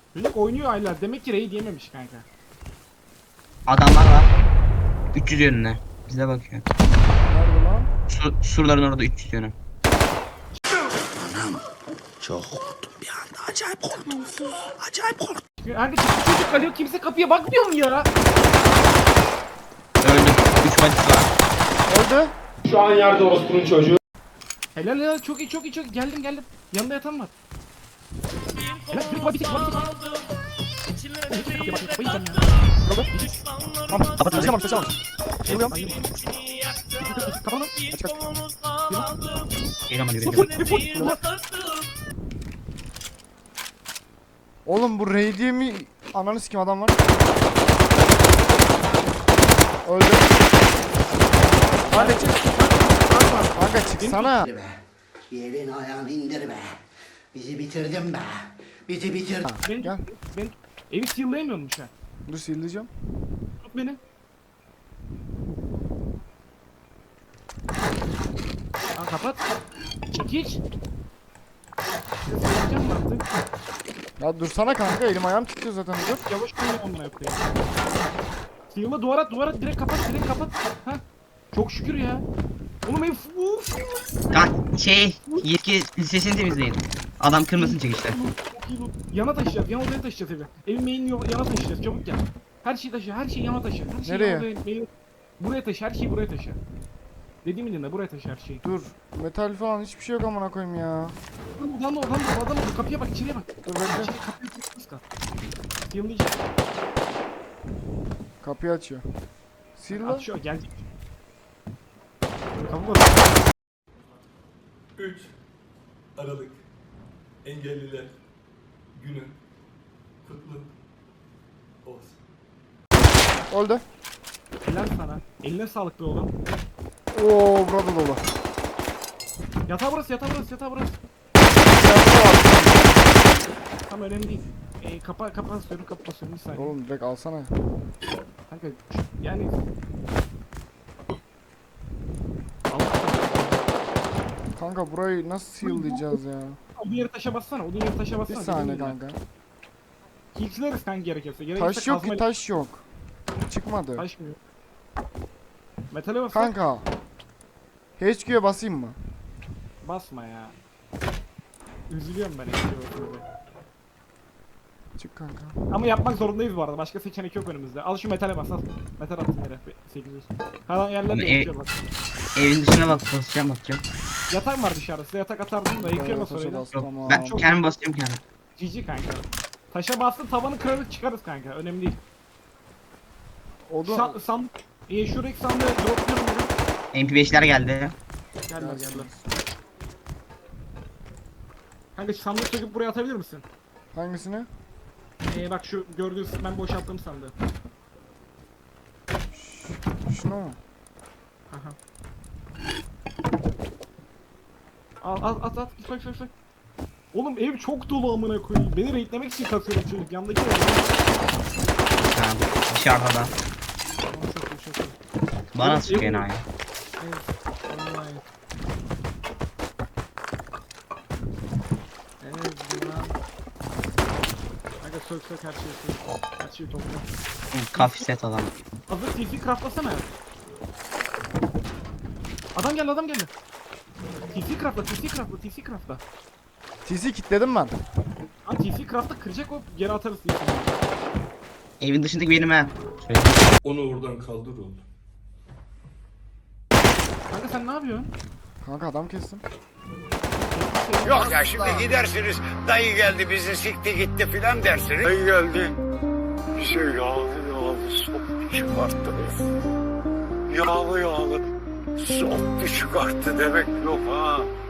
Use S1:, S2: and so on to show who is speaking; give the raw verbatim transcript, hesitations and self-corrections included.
S1: Çocuk oynuyor aylar. Demek ki raid yememiş kanka.
S2: Adamlar var. üç yüz yönüne. Bize bakıyor.
S3: Nerede lan?
S2: Su, surların orada üç yüz yönü.
S4: Çok korktum bir anda. Acayip korktum. Acayip korktum.
S1: Kanka çocuk, çocuk kalıyor. Kimse kapıya bakmıyor mu ya?
S2: Öldü. üç maç var.
S3: Öldü.
S5: Şu an yerde orospunun çocuğu.
S1: Helal helal. Çok iyi çok iyi çok iyi. Geldim geldim. Yanında yatan var. Helal. Bir bak bir tek bak bir tek. Oğlum kimse kapıya bakmıyor. Kafayı yiyeceğim ya.
S3: Öldü. Tamam. Kapat. Sesi almamış. Sesi almamış. Geliyorum.
S1: Kapanın.
S3: Aç kaç.
S2: Gel ama
S1: Full
S2: yürü.
S1: full full.
S3: Oğlum bu raid'i mi? Ananı sikim adam var. Öldü. Hadi çık. Kanka çıksana.
S4: Be. Yerin ayağını indir be. Bizi bitirdin be. Bizi bitirdin.
S1: Ben,
S3: Gel.
S1: ben evi seal'layamıyormuş ha.
S3: Dur sildiriyorum.
S1: Tut beni. Aa kapat. Çekiç. Seal'layacağım mı artık?
S3: Ya dursana kanka, elim ayağım titriyor zaten, dur.
S1: Yavaş koyun onunla koyayım. Seal'la duvara duvara direkt kapat direkt kapat. Ha. Çok şükür ya. Oğlum ev uf.
S2: Kanka şey yetki listesini temizleyin. Adam kırmasın çekişte.
S1: Yana taşıyacağız, yana odaya taşıyacağız evi. Evin mainini yo- yana taşıyacağız, çabuk gel. Her şeyi taşı, her şeyi yana taşı. Her şeyi
S3: Nereye?
S1: yana odaya, main- buraya taşı, her şeyi buraya taşı. Dediğimi dinle, buraya taşı her şeyi.
S3: Dur. Metal falan hiçbir şey yok amına koyayım ya.
S1: Adam da, adam da, adam da, kapıya bak, içeriye bak.
S3: Dur bekle.
S1: İçeri kapıyı kıska. Seal'layacak.
S3: Kapıyı açıyor. Sil lan.
S1: Açıyor, gelecek. Kapı bak.
S6: üç Aralık Engelliler Günü kutlu olsun.
S3: Öldü.
S1: Helal sana. Eline sağlık be oğlum.
S3: Oo burada dolu.
S1: Yatağı burası, yatağı burası, yatağı burası. Tam önemli değil. Ee, kapa, kapa basıyorum, kapa basıyorum bir saniye.
S3: Oğlum direkt alsana.
S1: Kanka yani Allah
S3: Kanka burayı nasıl seal'layacağız ya?
S1: odun yeri taşa bassana, odun yeri taşa
S3: Bir
S1: bassana.
S3: saniye
S1: dediğim gibi.
S3: kanka.
S1: Kiltleriz kanka gerekirse. Gerekirse
S3: Taş yok ki,
S1: kazmayla-
S3: taş yok. Çıkmadı.
S1: Taşmıyor. Metale bas.
S3: Kanka. H Q'ya basayım mı?
S1: Basma ya. Üzülüyorum ben eskiye bakınca.
S3: Çık kanka.
S1: Ama yapmak zorundayız bu arada. Başka seçenek yok önümüzde. Al şu metale bas al. Metal attım yere. sekiz yüz. Kalan yerler
S2: Ama
S1: de
S2: ev-
S1: yakıyor bak.
S2: Evin dışına bak basacağım bakacağım.
S1: Yatak var dışarıda. Size yatak atardım da yıkıyor nasıl
S3: Taşa
S1: öyle.
S3: bas,
S2: Yok,
S3: tamam.
S2: ben
S1: Çok-
S2: kendim basacağım kendim.
S1: Cici kanka. Taşa bastın tavanı kırarız çıkarız kanka. Önemli değil.
S3: Odun.
S1: San, san, e, şuradaki sandığı dropluyorum dedim.
S2: M P beşler geldi.
S1: Geldiler geldiler. Kanka şu sandığı söküp buraya atabilir misin?
S3: Hangisini?
S1: Ee, bak şu gördüğün ben boşalttım sandığı.
S3: Şunu mu?
S1: Aha. Al al at at soy soy soy. Oğlum ev çok dolu amına koyayım. Beni raidlemek için kasıyorum çocuk. Yandaki ev.
S2: Tamam. Dışarıda da.
S1: Tamam, çok iyi, çok iyi.
S2: Bana
S1: Oğlum,
S2: sıkıyor
S1: ev-
S2: enayi.
S1: Evet. Vallahi. Evet lan. Kanka sök sök her şeyi sök. Her şeyi topla.
S2: Kafi set adam.
S1: Hazır T C craftlasana. Adam geldi adam geldi. T C craftla T C craftla T C craftla.
S3: T C kilitledim ben.
S1: Ha T C craftla kıracak o geri atarız T C'yi.
S2: Evin dışındaki benim ha. Söyle.
S6: Onu oradan kaldır oğlum.
S1: Kanka sen ne yapıyorsun?
S3: Kanka adam kestim.
S7: Yok ya şimdi gidersiniz dayı geldi bizi sikti gitti filan dersiniz. Dayı geldi. Bize yağlı yağlı soktu çıkarttı. Yağlı yağlı soktu çıkarttı demek yok ha.